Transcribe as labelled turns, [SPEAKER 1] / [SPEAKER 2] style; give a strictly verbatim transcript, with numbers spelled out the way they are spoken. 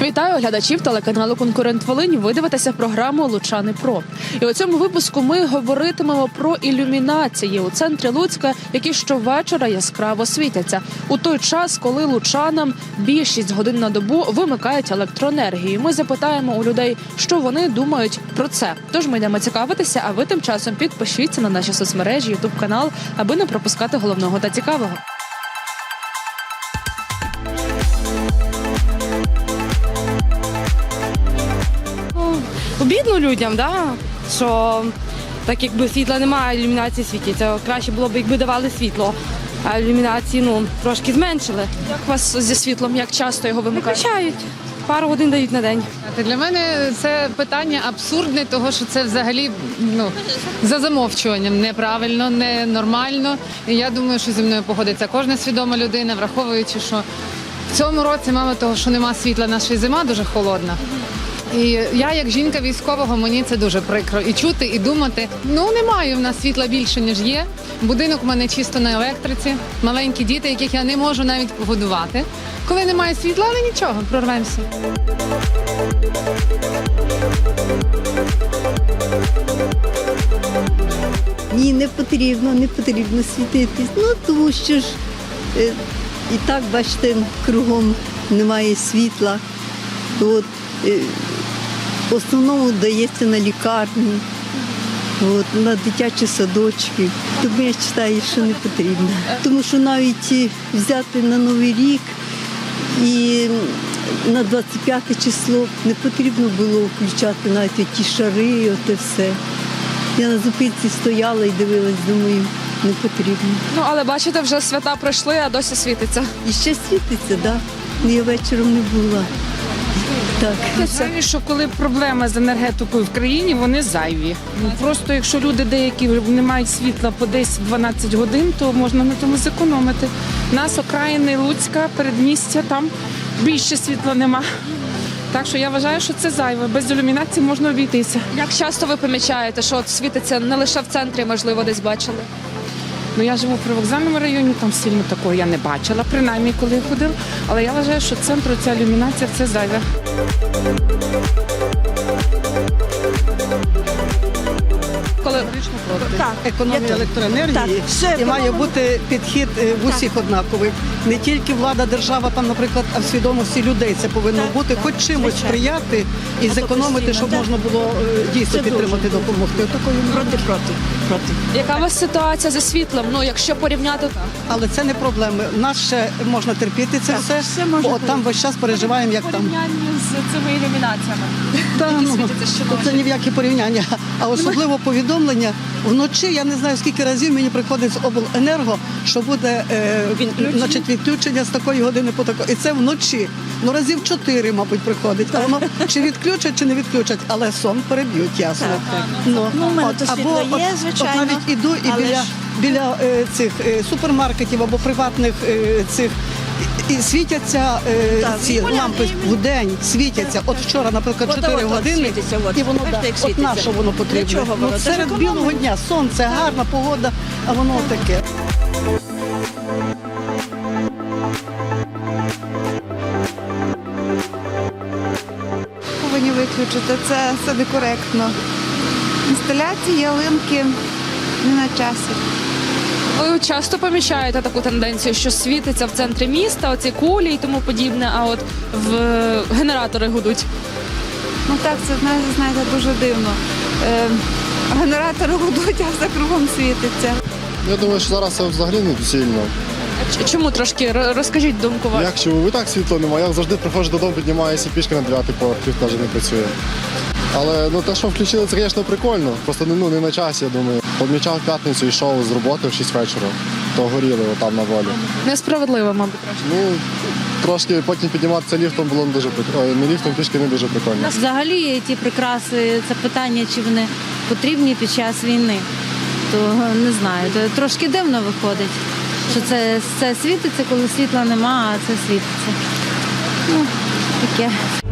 [SPEAKER 1] Вітаю глядачів телеканалу «Конкурент Волинь». Ви дивитеся програму «Лучани Про». І у цьому випуску ми говоритимемо про ілюмінації у центрі Луцька, які щовечора яскраво світяться. У той час, коли лучанам більшість годин на добу вимикають електроенергію. Ми запитаємо у людей, що вони думають про це. Тож ми йдемо цікавитися, а ви тим часом підпишіться на наші соцмережі, ютуб-канал, аби не пропускати головного та цікавого.
[SPEAKER 2] Обідно людям, да? Що так якби світла немає, ілюмінації світяться. Краще було б, якби давали світло, а ілюмінації ну, трошки зменшили.
[SPEAKER 1] Як у вас зі світлом, як часто його вимикають?
[SPEAKER 2] Виключають. Пару годин дають на день.
[SPEAKER 3] Для мене це питання абсурдне, того що це взагалі ну, за замовчуванням неправильно, ненормально. І я думаю, що зі мною погодиться кожна свідома людина, враховуючи, що в цьому році, мало того, що нема світла, наша зима дуже холодна. І я, як жінка військового, мені це дуже прикро. І чути, і думати, ну немає в нас світла більше, ніж є. Будинок у мене чисто на електриці, маленькі діти, яких я не можу навіть погодувати. Коли немає світла, але нічого, прорвемося.
[SPEAKER 4] Ні, не потрібно, не потрібно світитись. Ну, тому що ж е, і так, бачите, кругом немає світла. От, е, в основному дається на лікарні, от, на дитячі садочки. Тому я вважаю, що не потрібно. Тому що навіть е, взяти на Новий рік і на двадцять п'яте число не потрібно було включати навіть ті шари, оте все. Я на зупинці стояла і дивилась, думаю, не потрібно.
[SPEAKER 1] Ну, але бачите, вже свята пройшли, а досі світиться.
[SPEAKER 4] І ще світиться, так. Да. Я вечором не була. Так.
[SPEAKER 5] Зайві, що коли проблема з енергетикою в країні, вони зайві. Ну, просто якщо люди деякі не мають світла по десять-дванадцять годин, то можна на тому зекономити. Нас окраїни Луцька, передмістя, там більше світла нема. Так що я вважаю, що це зайве. Без ілюмінації можна обійтися.
[SPEAKER 1] Як часто ви помічаєте, що от світиться не лише в центрі, можливо, десь бачили?
[SPEAKER 5] Ну, я живу в привокзальному районі, там сильно такого я не бачила, принаймні, коли я ходила. Але я вважаю, що центру ця ілюмінація – це зайве.
[SPEAKER 1] Коли
[SPEAKER 6] Так, економія електроенергії і має бути підхід е, в усіх однаковий. Не тільки влада, держава, там, наприклад, а в свідомості людей це повинно бути, хоч чимось сприяти і зекономити, щоб можна було е, дійсно підтримати, допомогти. Отакої проти, проти, проти.
[SPEAKER 1] яка у вас ситуація зі світлом? Ну, якщо порівняти,
[SPEAKER 6] Але це не проблеми. Нас ще можна терпіти це все, бо от там весь час переживаємо, як там.
[SPEAKER 1] з цими ілюмінаціями.
[SPEAKER 6] Та,
[SPEAKER 1] які
[SPEAKER 6] ну,
[SPEAKER 1] світяться щоночі.
[SPEAKER 6] це ні в які порівняння. А особливо повідомлення вночі, я не знаю, скільки разів мені приходить з обленерго, що буде е, значить, відключення з такої години по такої. І це вночі. Ну разів чотири, мабуть, приходить. А воно чи відключать, чи не відключать, але сон переб'ють, ясно. Ну,
[SPEAKER 7] Ну, в мене
[SPEAKER 6] от,
[SPEAKER 7] то
[SPEAKER 6] або
[SPEAKER 7] світло є,
[SPEAKER 6] от,
[SPEAKER 7] звичайно,
[SPEAKER 6] от навіть іду і
[SPEAKER 7] але
[SPEAKER 6] біля,
[SPEAKER 7] ж-
[SPEAKER 6] біля е, цих е, супермаркетів або приватних е, цих. І світяться е,
[SPEAKER 7] Так,
[SPEAKER 6] ці
[SPEAKER 7] поляни,
[SPEAKER 6] лампи в день, світяться. От вчора, наприклад,
[SPEAKER 7] От,
[SPEAKER 6] чотири
[SPEAKER 7] от, от,
[SPEAKER 6] години,
[SPEAKER 7] світиться, от.
[SPEAKER 6] і воно
[SPEAKER 7] Бачите,
[SPEAKER 6] да,
[SPEAKER 7] як
[SPEAKER 6] от
[SPEAKER 7] світиться?
[SPEAKER 6] на що воно потрібно.
[SPEAKER 7] Для чого
[SPEAKER 6] Ну,
[SPEAKER 7] воно? Це ж
[SPEAKER 6] серед
[SPEAKER 7] економить.
[SPEAKER 6] білого дня, сонце, гарна погода, а воно таке.
[SPEAKER 8] Повинні виключити, це, це некоректно. Інсталяції, ялинки не на часі.
[SPEAKER 1] Ви часто помічаєте таку тенденцію, що світиться в центрі міста, оці кулі і тому подібне, а от в генератори гудуть.
[SPEAKER 8] Ну так, це знаєте, знаєте, дуже дивно. Е, генератори гудуть, а все кругом світиться.
[SPEAKER 9] Я думаю, що зараз це взагалі не доцільно.
[SPEAKER 1] Ч- Чому трошки Р- розкажіть думку вашу?
[SPEAKER 9] Як чому? І так світла немає. Я завжди приходжу додому, піднімаюся пішки на дев'ятий поверх, навіть не працює. Але ну, те, що включили, це, звісно, прикольно. Просто ну, не на часі, я думаю. Помічав в п'ятницю, йшов з роботи в шість вечора, то горіли там на волі.
[SPEAKER 1] Несправедливо, мабуть, трошки.
[SPEAKER 9] Ну, трошки потім підніматися ліфтом було не дуже прикольно. Не ліфтом, пішки не дуже прикольно.
[SPEAKER 7] Взагалі ті прикраси, це питання, чи вони потрібні під час війни, то не знаю, то трошки дивно виходить, що це, це світиться, коли світла нема, а це світиться. Ну, таке.